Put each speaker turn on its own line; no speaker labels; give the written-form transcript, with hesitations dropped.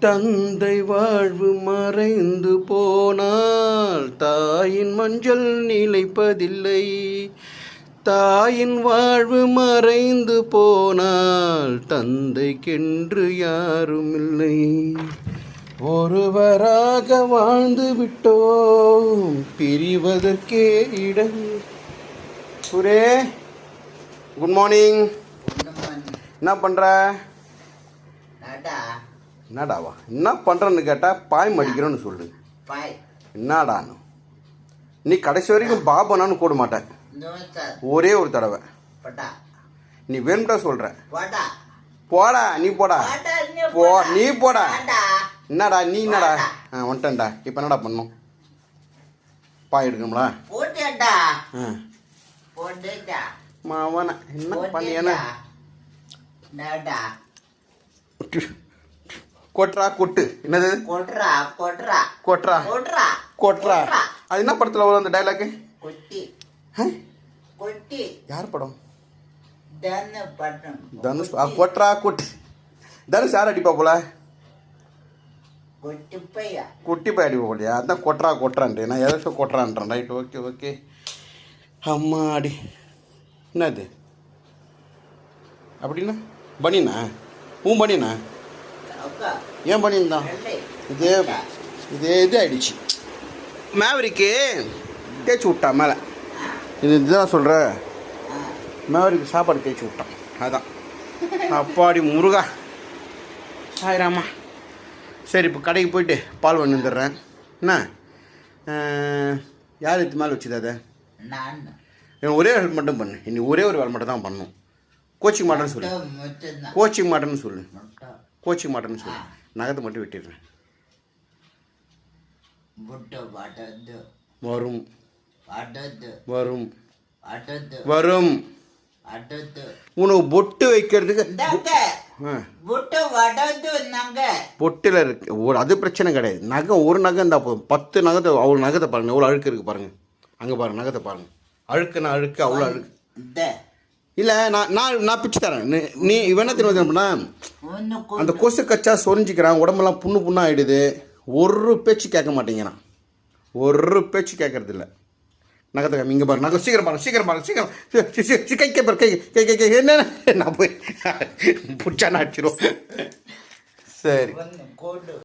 தந்தை வாழ்வு மறைந்து போனால் தாயின் மஞ்சள் நிலைப்பதில்லை. தாயின் வாழ்வு மறைந்து போனால் தந்தைக்கென்று யாருமில்லை. ஒருவராக வாழ்ந்து விட்டோம், பிரிவதற்கே இடம். சுரே, குட் மார்னிங். என்ன பண்ற? என்னடாவா என்ன பண்றேன்னு கேட்டா பாய் மடிக்கிறோன்னு சொல்லு. என்னடான்னு நீ கடைசி வரைக்கும் பாபனான்னு கூட மாட்டேன். ஒரே ஒரு தடவை நீ வேணும்டா சொல்ற. போடா நீ போடா நீ போடா. என்னடா நீ என்னடா வந்துட்டேன்டா. இப்போ என்னடா பண்ணும்? பாய் எடுக்கணும்ல மாவன என்ன பண்ணியன கொட்ரா கொட்டு. என்னது கொட்ரா கொட்ரா கொட்ரா கொட்ரா கொட்ரா? அது என்ன படத்துல வரும் அந்த டைலாக்? கொட்டி கொட்டி யார் படம்? தனுஷ். கொட்ரா கொட்டு. தனுஷ் யார் அடிப்பா போல? குட்டி பைய அடிப்பா போலையா? அதான் கொட்ரா கொட்ரான்ட்டு. நான் எதாச்சும் கொட்ரான்றேன். Right, okay okay. அம்மா அடி. என்னது அப்படின்னா பனியனா? உன் பனியனா? ஏன் பண்ணியிருந்தான்? இது ஆயிடுச்சு. மேவரிக்கு தேய்ச்சி விட்டான் மேலே. இதுதான் சொல்கிற. மேவரிக்கு சாப்பாடு தேய்ச்சி விட்டான். அதான் அப்பாடி முருகா சாயிராமா. சரி, இப்போ கடைக்கு போயிட்டு பால் வாங்கி வந்துடுறேன். என்ன யார் இது மேலே வச்சுது? அதை ஒரே வேலை மட்டும் பண்ணு. இன்னைக்கு ஒரே ஒரு வேலை மட்டும் தான் பண்ணணும். கோச்சிங் மாட்டேன்னு சொல்லு. கோச்சிங் மாட்டேன்னு சொல்லு. கோச்சிங் மாட்டேன்னு சொல்லு. நகத்தை மட்டும் வெட்டிடுறேன். வரும் வரும் வரும். உனக்கு பொட்டு வைக்கிறதுக்கு பொட்டில் இருக்கு. அது பிரச்சனை கிடையாது. நகை ஒரு நகை இருந்தால் போதும். 10 நகத்தை அவ்வளோ நகத்தை பாருங்க. எவ்வளோ அழுக்கு இருக்கு பாருங்க. அங்கே பாருங்க நகத்தை பாருங்க. அழுக்குன்னா அழுக்கு, அவ்வளோ அழுக்கு. இல்லை நான் பிச்சு தரேன். நீ இவன் என்ன தெரியுமா? அந்த கொசு கச்சா சொரிஞ்சிக்கிறான். உடம்பெல்லாம் புண்ணு ஆகிடுது. ஒரு பேச்சு கேட்க மாட்டேங்கிறான். ஒரு பேச்சு கேட்கறது இல்லை. நகத்தை இங்கே பாரு. நகை சீக்கிரம் பாரு, சீக்கிரம் பாரு, சீக்கிரம் கை பாரு. கை என்ன நான் போய் பிடிச்சா நான் அடிச்சிடும். சரி.